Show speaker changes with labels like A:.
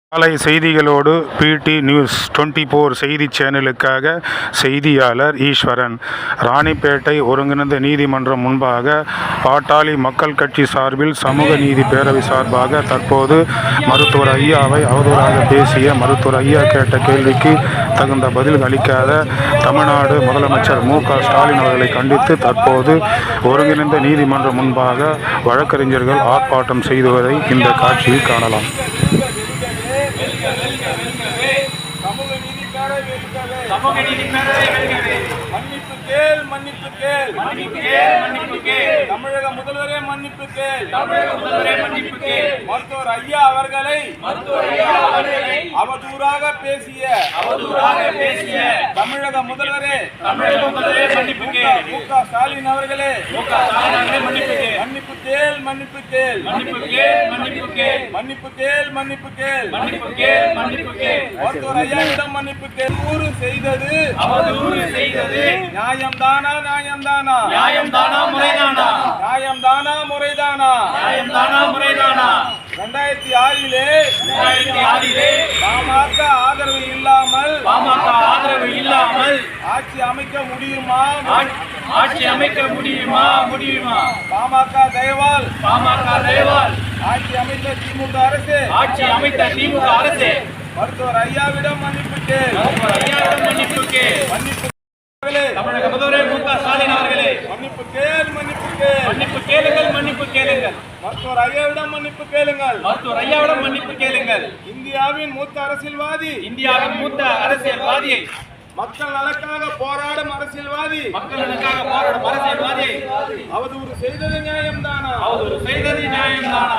A: காலை செய்திகளோடு பிடி நியூஸ் 24 செய்தி சேனலுக்காக செய்தியாளர் ஈஸ்வரன். ராணிப்பேட்டை ஒருங்கிணைந்த நீதிமன்றம் முன்பாக பாட்டாளி மக்கள் கட்சி சார்பில் சமூக நீதி பேரவை சார்பாக தற்போது மருத்துவர் ஐயாவை அவதூறாக பேசிய மருத்துவர் ஐயா கேட்ட கேள்விக்கு தகுந்த பதில் அளிக்காத தமிழ்நாடு முதலமைச்சர் மு.க.ஸ்டாலின் அவர்களை கண்டித்து தற்போது ஒருங்கிணைந்த நீதிமன்றம் முன்பாக வழக்கறிஞர்கள் ஆர்ப்பாட்டம் செய்துவதை இந்த காட்சியில் காணலாம்.
B: சமூக நீதி பேரவை வெல்கவே. மன்னிப்பு கேள், மன்னிப்பு கேள், மன்னிப்பு கேள், மன்னிப்பு கேள். தமிழக முதல்வரே மன்னிப்பு கேள், தமிழக முதல்வரே மன்னிப்பு கேள். மருத்துவர் ஐயா அவர்களை அவதூறாக பேசிய தமிழக முதல்வரே மன்னிப்பு கேள். மு.க.ஸ்டாலின் அவர்களே மன்னிப்பு கேள், மன்னிப்பு கேள், மன்னிப்பு கேள், மன்னிப்பு கேள், மன்னிப்பு கேள், மன்னிப்பு கேள், மன்னிப்பு கேள், மன்னிப்பு கேள், மன்னிப்பு கேள். மருத்துவர் ஐயாவிடம் மன்னிப்பு கேள். அவதூறு செய்தது நியாயம்தானா, நியாயம்தானா, நியாயம்தானா, முறைதானா, நியாயம்தானா, முறைதானா, நியாயம்தானா, முறைதானா. 2006 பாமக ஆதரவு இல்லாமல் ஆட்சி அமைக்க முடியுமா, ஆட்சி அமைக்க முடியுமா, பாமக தயவால் ஆட்சி அமைத்த திமுக அரசு மருத்துவர் ஐயாவிடம் மன்னிப்பு கேள், மன்னிப்பு தமிழக முதல்வர் மு.க.ஸ்டாலின் அவர்களே மன்னிப்பு கேள், மன்னிப்பு கேள், மன்னிப்பு கேளுங்கள், மன்னிப்பு கேளுங்கள். மருத்துவர் ஐயாவிடம் மன்னிப்பு கேளுங்கள், மருத்துவர் ஐயாவிடம் மன்னிப்பு கேளுங்கள். இந்தியாவின் மூத்த அரசியல்வாதியை மக்கள் நலக்காக போராடும் அரசியல்வாதி அவதூறு செய்தது நியாயம்தானா,